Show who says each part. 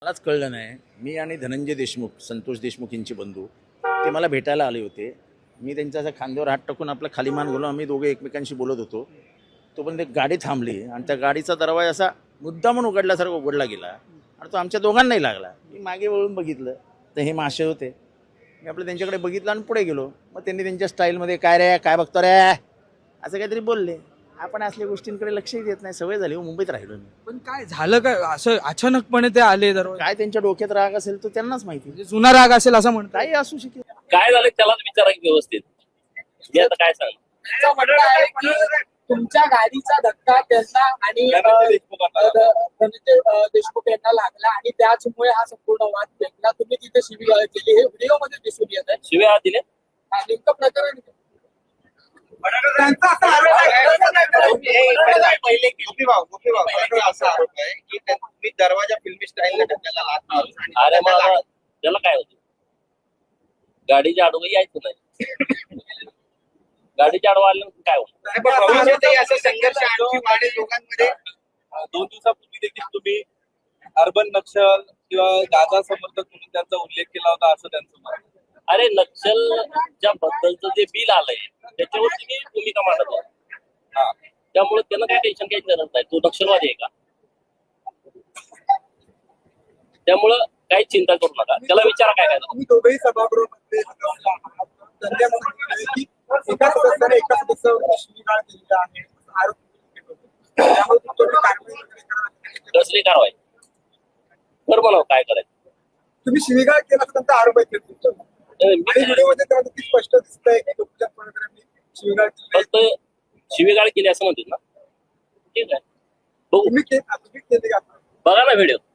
Speaker 1: मलाच कळलं नाही. मी आणि धनंजय देशमुख, संतोष देशमुख यांचे बंधू, ते मला भेटायला आले होते. मी त्यांच्या असा खांद्यावर हात टाकून आपला खाली मान गेलो. आम्ही दोघे एकमेकांशी बोलत होतो. तोपर्यंत एक गाडी थांबली आणि त्या गाडीचा दरवाजा असा मुद्दामून उघडल्यासारखा उघडला गेला आणि तो आमच्या दोघांनाही लागला. मी मागे वळून बघितलं तर हे मासे होते. मी आपलं त्यांच्याकडे बघितलं आणि पुढे गेलो. मग त्यांनी त्यांच्या स्टाईलमध्ये काय रे, काय बघतो रे, असं काहीतरी बोलले. आपण असल्या गोष्टींकडे लक्षही देत नाही. सवय झाली. मुंबईत राहिलो मी.
Speaker 2: पण काय झालं काय असं अचानकपणे ते आले दरवाजा
Speaker 1: काय त्यांच्या डोक्यात राग असेल तो त्यांनाच माहिती.
Speaker 2: म्हणजे जुना राग असेल असं म्हणतात.
Speaker 1: काही असू शकेल.
Speaker 3: काय झालं त्यालाच विचारा की व्यवस्थित. मी आता काय सांग.
Speaker 4: त्यांचं म्हणणं आहे की तुमच्या गाडीचा धक्का त्यांना आणि धनंजय देशमुख यांना लागला आणि त्याचमुळे हा संपूर्ण वाद पेटला. तुम्ही तिथे शिवीगाळ केली हे व्हिडिओ मध्ये दिसून येत आहे.
Speaker 3: शिव्या दिले
Speaker 4: नेमकं प्रकरण काय?
Speaker 5: पहिले असा आरोप आहे की तुम्ही दरवाजा फिल्मी स्टाईलने ढकलला लाथ मारून आणि
Speaker 3: अरे मला त्याला काय होतं गाडीच्या आडवं यायचं नाही. गाडीच्या आडवं आल्यानंतर काय होतं.
Speaker 5: भविष्यातही असा संघर्ष आणखी वाढेल लोकांमध्ये.
Speaker 6: 2 दिवसापूर्वी देखील तुम्ही अर्बन नक्षल किंवा गाजा समर्थक म्हणून त्यांचा उल्लेख केला होता असं त्यांचं मत आहे.
Speaker 3: अरे नक्षलच्या बद्दलचं जे बिल आलंय त्याच्यावर तुम्ही भूमिका मांडत आहात. त्यामुळे त्यांना काही टेन्शन घ्यायची गरज नाही. तो नक्षलवादी आहे का? त्यामुळं काही चिंता करू नका. त्याला विचारा काय करायचं.
Speaker 7: तुम्ही दोघेही सभागृहामध्ये सदस्य आहात. त्यांनी असं सांगितलंय की एका सदस्याने एका सदस्यावर शिवीगाळ केलेला आहे आरोप केले होते. त्यामुळे तुम्ही कारवाई वगैरे करा.
Speaker 3: कसली कारवाई कर म्हणावं काय करायचं.
Speaker 7: तुम्ही शिवीगाळ केला असं त्यांचा आरोप आहे तुमच्यावर. आणि व्हिडिओमध्ये तर ती स्पष्ट दिसतंय की गोपीचंद पडळकरांनी शिवीगाळ केली.
Speaker 3: फक्त शिवीगाळ केली असं म्हणतील ना. ठीक आहे बघू.
Speaker 7: तुम्ही केली का?
Speaker 3: बघा ना व्हिडिओ.